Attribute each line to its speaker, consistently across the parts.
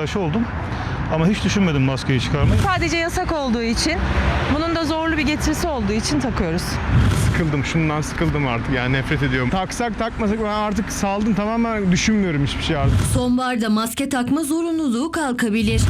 Speaker 1: aşı oldum. Ama hiç düşünmedim maskeyi çıkarmayı.
Speaker 2: Sadece yasak olduğu için, bunun da zorlu bir getirisi olduğu için takıyoruz.
Speaker 3: Sıkıldım, şundan sıkıldım artık, yani nefret ediyorum. Taksak takmasak ben artık saldım, tamamen düşünmüyorum hiçbir şey artık.
Speaker 4: Sonbaharda maske takma zorunluluğu kalkabilir.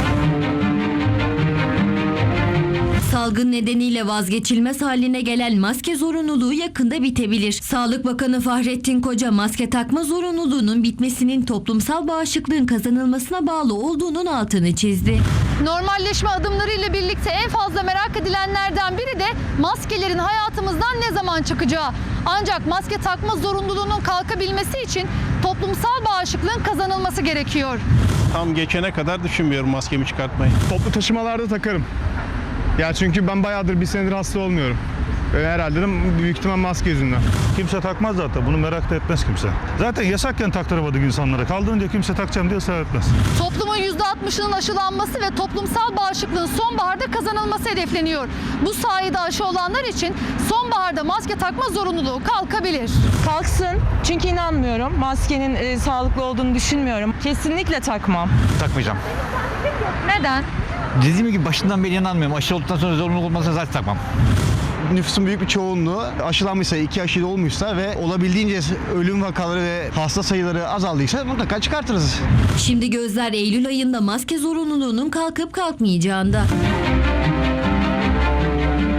Speaker 4: Salgın nedeniyle vazgeçilmez haline gelen maske zorunluluğu yakında bitebilir. Sağlık Bakanı Fahrettin Koca maske takma zorunluluğunun bitmesinin toplumsal bağışıklığın kazanılmasına bağlı olduğunun altını çizdi.
Speaker 5: Normalleşme adımlarıyla birlikte en fazla merak edilenlerden biri de maskelerin hayatımızdan ne zaman çıkacağı. Ancak maske takma zorunluluğunun kalkabilmesi için toplumsal bağışıklığın kazanılması gerekiyor.
Speaker 6: Tam geçene kadar düşünmüyorum maskemi çıkartmayı.
Speaker 3: Toplu taşımalarda takarım. Ya çünkü ben bayağıdır, bir senedir hasta olmuyorum. Herhalde de büyük ihtimal maske yüzünden.
Speaker 1: Kimse takmaz zaten. Bunu merak da etmez kimse. Zaten yasakken taktıramadık insanlara. Kaldırınca kimse takacağım diye ısrar etmez.
Speaker 5: Toplumun %60'ının aşılanması ve toplumsal bağışıklığın sonbaharda kazanılması hedefleniyor. Bu sayede aşı olanlar için sonbaharda maske takma zorunluluğu kalkabilir.
Speaker 2: Kalksın, çünkü inanmıyorum. Maskenin sağlıklı olduğunu düşünmüyorum. Kesinlikle takmam.
Speaker 7: Takmayacağım.
Speaker 5: Neden?
Speaker 7: Dediğim gibi başından beri inanmıyorum. Aşı olduktan sonra zorunluluk olmazsa zaten takmam.
Speaker 8: Nüfusun büyük bir çoğunluğu aşılanmışsa, 2 aşı da olmuşsa ve olabildiğince ölüm vakaları ve hasta sayıları azaldıysa mutlaka çıkartırız.
Speaker 4: Şimdi gözler Eylül ayında maske zorunluluğunun kalkıp kalkmayacağında.